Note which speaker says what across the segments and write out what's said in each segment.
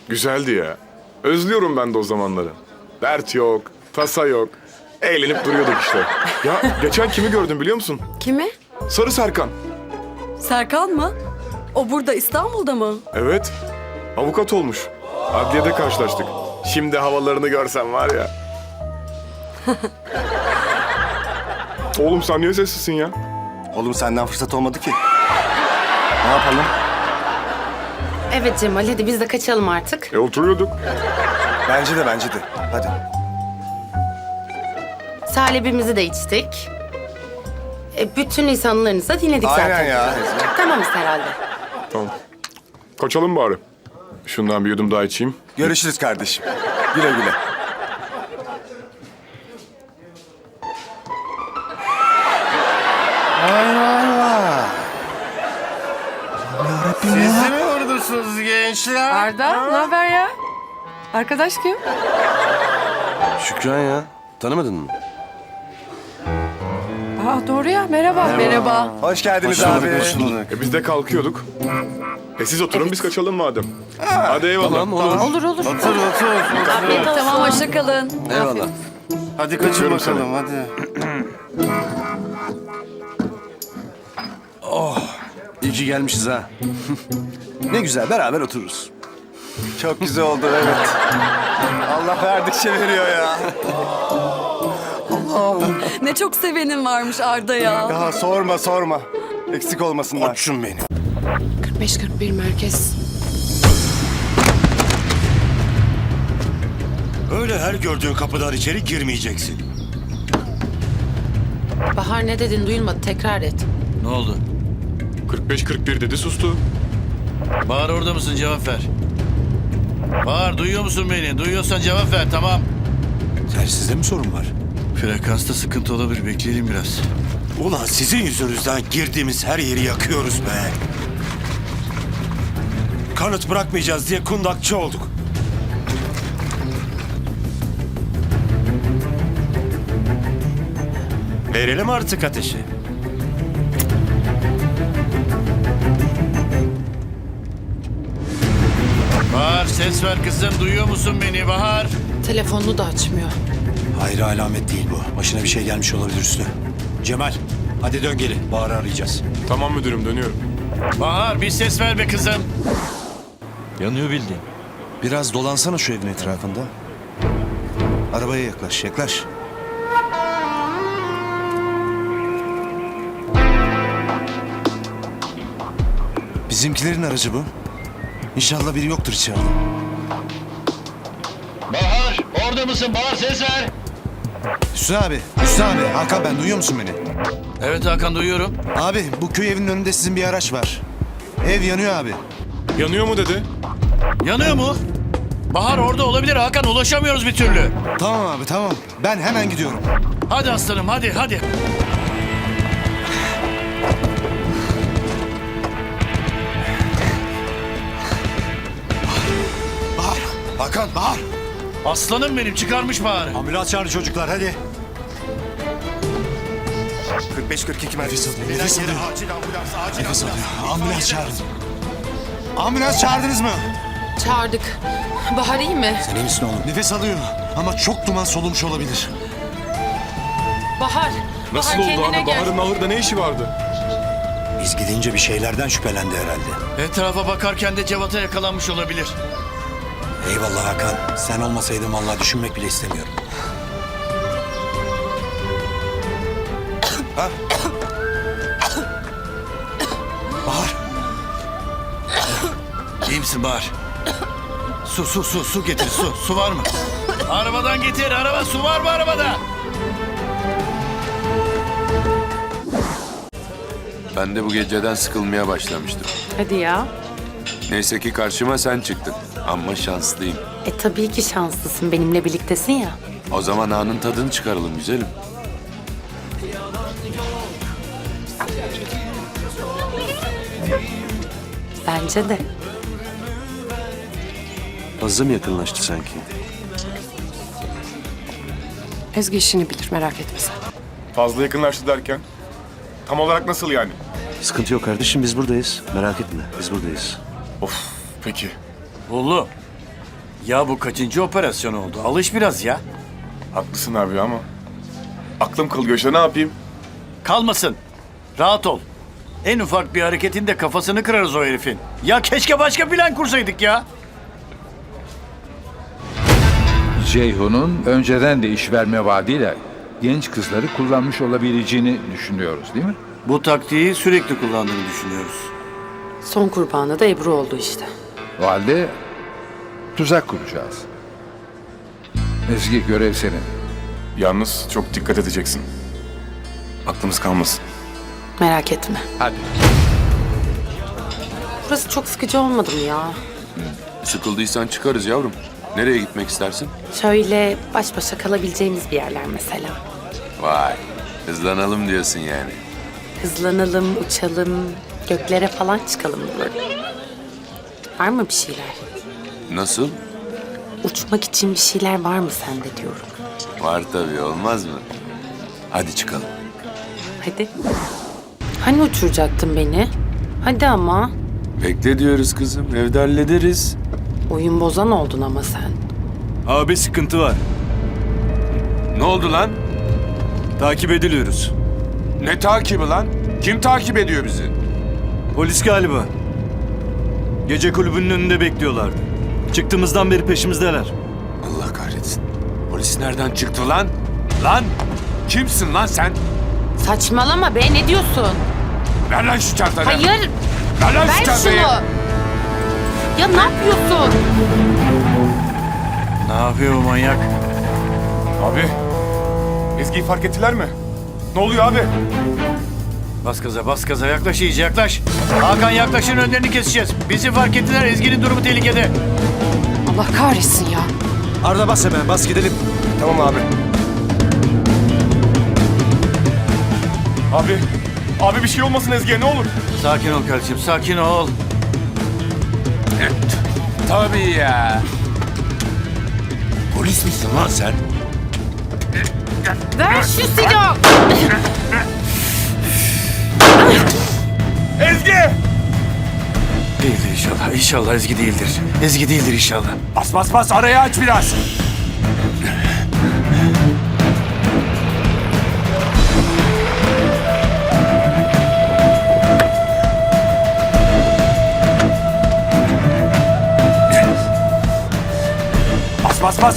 Speaker 1: Güzeldi ya. Özlüyorum ben de o zamanları. Dert yok, tasa yok. Eğlenip duruyorduk işte. Ya geçen kimi gördüm biliyor musun?
Speaker 2: Kimi?
Speaker 1: Sarı Serkan.
Speaker 2: Serkan mı? O burada İstanbul'da mı?
Speaker 1: Evet. Avukat olmuş. Adliyede karşılaştık. Şimdi havalarını görsen var ya. Oğlum sen niye sessizsin ya?
Speaker 3: Oğlum senden fırsat olmadı ki. Ne yapalım?
Speaker 4: Evet Cemal, hadi biz de kaçalım artık.
Speaker 1: Oturuyorduk.
Speaker 3: Bence de. Hadi.
Speaker 4: Salebimizi de içtik. Bütün insanlarınızı da dinledik zaten.
Speaker 3: Aynen ya.
Speaker 4: Tamamız herhalde.
Speaker 1: Tamam. Kaçalım bari. Şundan bir yudum daha içeyim.
Speaker 3: Görüşürüz kardeşim. Güle güle.
Speaker 5: Siz de mi oradasınız gençler?
Speaker 2: Arda, ne haber ya? Arkadaş kim?
Speaker 5: Şükran ya. Tanımadın mı?
Speaker 2: Aa, doğru ya. Merhaba.
Speaker 3: Hoş geldiniz abi.
Speaker 1: Biz de kalkıyorduk. Siz oturun biz kaçalım madem. Hadi eyvallah.
Speaker 5: Tamam olur.
Speaker 2: Olur.
Speaker 5: Otur.
Speaker 2: Afiyet olsun. Tamam, hoşça kalın.
Speaker 5: Eyvallah.
Speaker 3: Hadi kaçın
Speaker 1: Öpüyorum
Speaker 3: bakalım hadi.
Speaker 5: İyi ki gelmişiz ha. Ne güzel beraber otururuz.
Speaker 3: Çok güzel oldu evet. Allah verdikçe veriyor ya.
Speaker 2: Ne çok sevenim varmış Arda ya.
Speaker 3: Ya sorma. Eksik olmasınlar.
Speaker 5: Açın beni.
Speaker 4: 45-41 merkez.
Speaker 6: Öyle her gördüğün kapıdan içeri girmeyeceksin.
Speaker 4: Bahar ne dedin duyulmadı, tekrar et.
Speaker 6: Ne oldu?
Speaker 1: 45-41 dedi sustu.
Speaker 6: Bahar orada mısın? Cevap ver. Bahar duyuyor musun beni? Duyuyorsan cevap ver, tamam. Telsizde mi sorun var? Frekansta sıkıntı olabilir, bekleyelim biraz. Ulan sizin yüzünüzden girdiğimiz her yeri yakıyoruz be. Kanıt bırakmayacağız diye kundakçı olduk. Verelim artık ateşi. Bahar ses ver kızım, duyuyor musun beni Bahar?
Speaker 4: Telefonunu da açmıyor.
Speaker 7: Hayır alamet değil bu. Başına bir şey gelmiş olabilir üstüne. Cemal, hadi dön geri. Bahar'ı arayacağız.
Speaker 1: Tamam müdürüm dönüyorum.
Speaker 6: Bahar bir ses ver be kızım.
Speaker 8: Yanıyor bildiğin. Biraz dolansana şu evin etrafında. Arabaya yaklaş. Bizimkilerin aracı bu. İnşallah biri yoktur içeride.
Speaker 6: Bahar orada mısın? Bahar ses ver.
Speaker 8: Hüsnü abi, Hakan ben, duyuyor musun beni?
Speaker 6: Evet Hakan duyuyorum.
Speaker 8: Abi bu köy evinin önünde sizin bir araç var. Ev yanıyor abi.
Speaker 1: Yanıyor mu dedi?
Speaker 6: Yanıyor mu? Bahar orada olabilir Hakan, ulaşamıyoruz bir türlü.
Speaker 8: Tamam abi tamam. Ben hemen gidiyorum.
Speaker 6: Hadi aslanım hadi.
Speaker 8: Hakan, Bahar.
Speaker 6: Aslanım benim, çıkarmış Bahar'ı.
Speaker 7: Ambulans çağırın çocuklar hadi.
Speaker 3: 45-42 merkez.
Speaker 8: Nefes alıyor.
Speaker 3: Acil ambulans, acil
Speaker 8: Nefes
Speaker 3: ambulans.
Speaker 8: alıyor. Ambulans çağırın. Ambulans çağırdınız mı?
Speaker 4: Çağırdık. Bahar iyi mi?
Speaker 7: Sen iyi misin oğlum?
Speaker 8: Nefes alıyor ama çok duman solumuş olabilir.
Speaker 4: Bahar.
Speaker 1: Nasıl
Speaker 4: Bahar
Speaker 1: oldu
Speaker 4: kendine
Speaker 1: abi?
Speaker 4: gel.
Speaker 1: Bahar'ın ahırda ne işi vardı?
Speaker 7: Biz gidince bir şeylerden şüphelendi herhalde.
Speaker 6: Etrafa bakarken de Cevat'a yakalanmış olabilir.
Speaker 7: Eyvallah Hakan. Sen olmasaydın vallahi düşünmek bile istemiyorum.
Speaker 8: Bahar.
Speaker 6: İyi misin Bahar? Su getir, su var mı? Arabadan getir, su var mı arabada?
Speaker 9: Ben de bu geceden sıkılmaya başlamıştım.
Speaker 4: Hadi ya.
Speaker 9: Neyse ki karşıma sen çıktın. Ama şanslıyım.
Speaker 4: Tabii ki şanslısın, benimle birliktesin ya.
Speaker 9: O zaman anın tadını çıkaralım güzelim.
Speaker 4: Bence de.
Speaker 5: Fazla mı yakınlaştı sanki?
Speaker 10: Ezgi işini bilir, merak etme sen.
Speaker 1: Fazla yakınlaştı derken? Tam olarak nasıl yani?
Speaker 5: Sıkıntı yok kardeşim, biz buradayız. Merak etme, biz buradayız.
Speaker 1: Of peki.
Speaker 6: Oğlum, Ya bu kaçıncı operasyon oldu? Alış biraz ya.
Speaker 1: Haklısın abi ama aklım kıl göçte, ne yapayım?
Speaker 6: Kalmasın. Rahat ol. En ufak bir hareketinde kafasını kırarız o herifin. Ya keşke başka plan kursaydık ya.
Speaker 11: Ceyhun'un önceden de iş verme vaadiyle genç kızları kullanmış olabileceğini düşünüyoruz değil mi?
Speaker 6: Bu taktiği sürekli kullandığını düşünüyoruz.
Speaker 10: Son kurbanı da Ebru oldu işte.
Speaker 11: O halde tuzak kuracağız. Ezgi, görev senin.
Speaker 1: Yalnız çok dikkat edeceksin. Aklımız kalmasın.
Speaker 10: Merak etme.
Speaker 11: Hadi.
Speaker 10: Burası çok sıkıcı olmadı mı ya?
Speaker 9: Sıkıldıysan çıkarız yavrum. Nereye gitmek istersin?
Speaker 10: Şöyle baş başa kalabileceğimiz bir yerler mesela.
Speaker 9: Vay, hızlanalım diyorsun yani.
Speaker 10: Hızlanalım, uçalım, göklere falan çıkalım böyle. Var mı bir şeyler?
Speaker 9: Nasıl?
Speaker 10: Uçmak için bir şeyler var mı sende diyorum.
Speaker 9: Var tabii, olmaz mı? Hadi çıkalım.
Speaker 10: Hadi. Hani uçuracaktın beni? Hadi ama.
Speaker 9: Bekle diyoruz kızım, evde hallederiz.
Speaker 10: Oyun bozan oldun ama sen.
Speaker 3: Abi sıkıntı var.
Speaker 9: Ne oldu lan?
Speaker 3: Takip ediliyoruz.
Speaker 9: Ne takibi lan? Kim takip ediyor bizi?
Speaker 3: Polis galiba. Gece kulübünün önünde bekliyorlardı. Çıktığımızdan beri peşimizdeler.
Speaker 9: Allah kahretsin. Polis nereden çıktı lan? Lan! Kimsin lan sen?
Speaker 4: Saçmalama be, ne diyorsun?
Speaker 9: Ver lan şu çantayı.
Speaker 4: Hayır,
Speaker 9: Ver lan şu
Speaker 4: ver şunu.
Speaker 9: çantayı.
Speaker 4: Ya ne yapıyorsun?
Speaker 6: Ne yapıyor bu manyak?
Speaker 1: Abi, Ezgi'yi fark ettiler mi? Ne oluyor abi?
Speaker 6: Bas gaza yaklaş iyice yaklaş. Hakan yaklaşın, önlerini keseceğiz. Bizi fark ettiler, Ezgi'nin durumu tehlikede.
Speaker 10: Allah kahretsin ya.
Speaker 3: Arda bas hemen, bas gidelim.
Speaker 1: Tamam abi. Abi bir şey olmasın Ezgi'ye, ne olur.
Speaker 6: Sakin ol kardeşim, sakin ol.
Speaker 9: Tabii ya. Polis misin lan sen?
Speaker 4: Ver şu silahı.
Speaker 1: Ezgi!
Speaker 6: Değildir inşallah, inşallah Ezgi değildir. Ezgi değildir inşallah.
Speaker 9: Bas arayı aç biraz. Bas.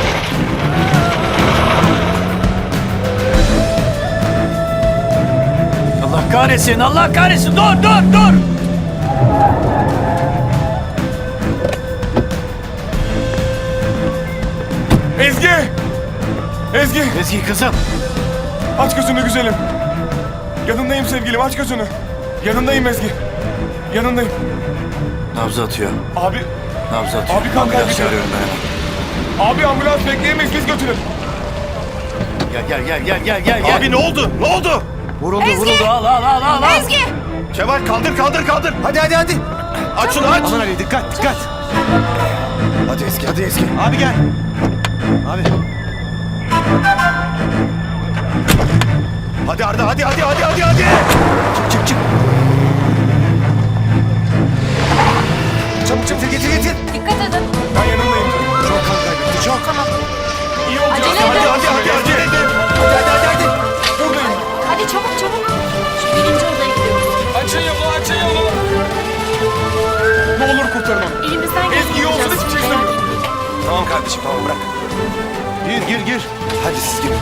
Speaker 6: Allah kahretsin, dur.
Speaker 1: Ezgi!
Speaker 6: Ezgi kızım.
Speaker 1: Aç gözünü güzelim. Yanındayım sevgilim, aç gözünü. Yanındayım Ezgi. Yanındayım.
Speaker 6: Nabzı atıyor,
Speaker 1: Abi,
Speaker 6: nabzı atıyor.
Speaker 1: Abi kan
Speaker 6: Ambulans
Speaker 1: kaybediyor.
Speaker 6: çağırıyorum ben hemen.
Speaker 1: abi ambulans bekleyemeyiz, biz götürün.
Speaker 6: Gel.
Speaker 3: Abi ne oldu? Ne oldu?
Speaker 6: Vuruldu, al.
Speaker 4: Ezgi!
Speaker 3: Kemal kaldır. Hadi. Aç şunu aç. Aman Ali dikkat. Hadi Ezgi. Abi gel. Abi. Hadi Arda hadi. Çık. Çabuk getir.
Speaker 4: Dikkat edin.
Speaker 1: Ben yanındayım.
Speaker 3: Çok kan kaybetti çok.
Speaker 1: İyi olacak.
Speaker 4: Acele edin.
Speaker 3: Hadi.
Speaker 1: Buradayım.
Speaker 4: Hadi çabuk. Şu birinci odaya gidiyoruz.
Speaker 1: Açın yolu. Ne olur kurtarın onu.
Speaker 4: Elimizden
Speaker 1: Ezgi yolsuz hiçbir şey istemiyorum.
Speaker 3: Tamam kardeşim tamam bırak. Gir. Hadi siz girin.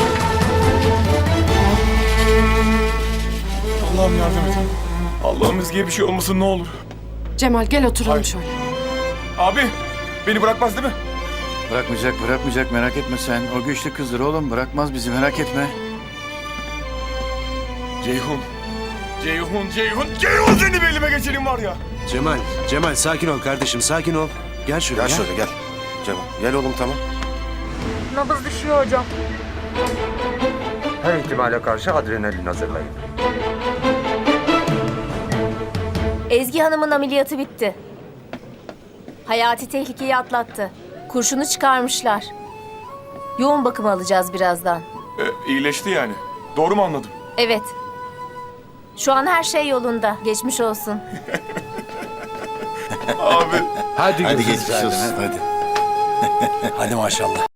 Speaker 1: Allah'ım yardım et. Allah'ım Ezgi'ye bir şey olmasın ne olur.
Speaker 10: Cemal gel oturalım
Speaker 1: Hayır.
Speaker 10: şöyle.
Speaker 1: Abi, beni bırakmaz değil mi?
Speaker 6: Bırakmayacak, merak etme sen. O güçlü kızdır oğlum, bırakmaz bizi, merak etme.
Speaker 1: Ceyhun seni bir elime geçireyim var ya.
Speaker 8: Cemal sakin ol kardeşim sakin ol. Gel şuraya.
Speaker 3: gel. Cemal gel oğlum tamam.
Speaker 2: Nabız düşüyor hocam.
Speaker 3: Her ihtimale karşı adrenalin hazırlayın.
Speaker 12: Ezgi Hanım'ın ameliyatı bitti. Hayati tehlikeyi atlattı. Kurşunu çıkarmışlar. Yoğun bakım alacağız birazdan.
Speaker 1: İyileşti yani. Doğru mu anladım?
Speaker 12: Evet. Şu an her şey yolunda. Geçmiş olsun.
Speaker 1: Abi.
Speaker 11: Hadi
Speaker 6: Geçmiş olsun, hadi.
Speaker 7: Hadi maşallah.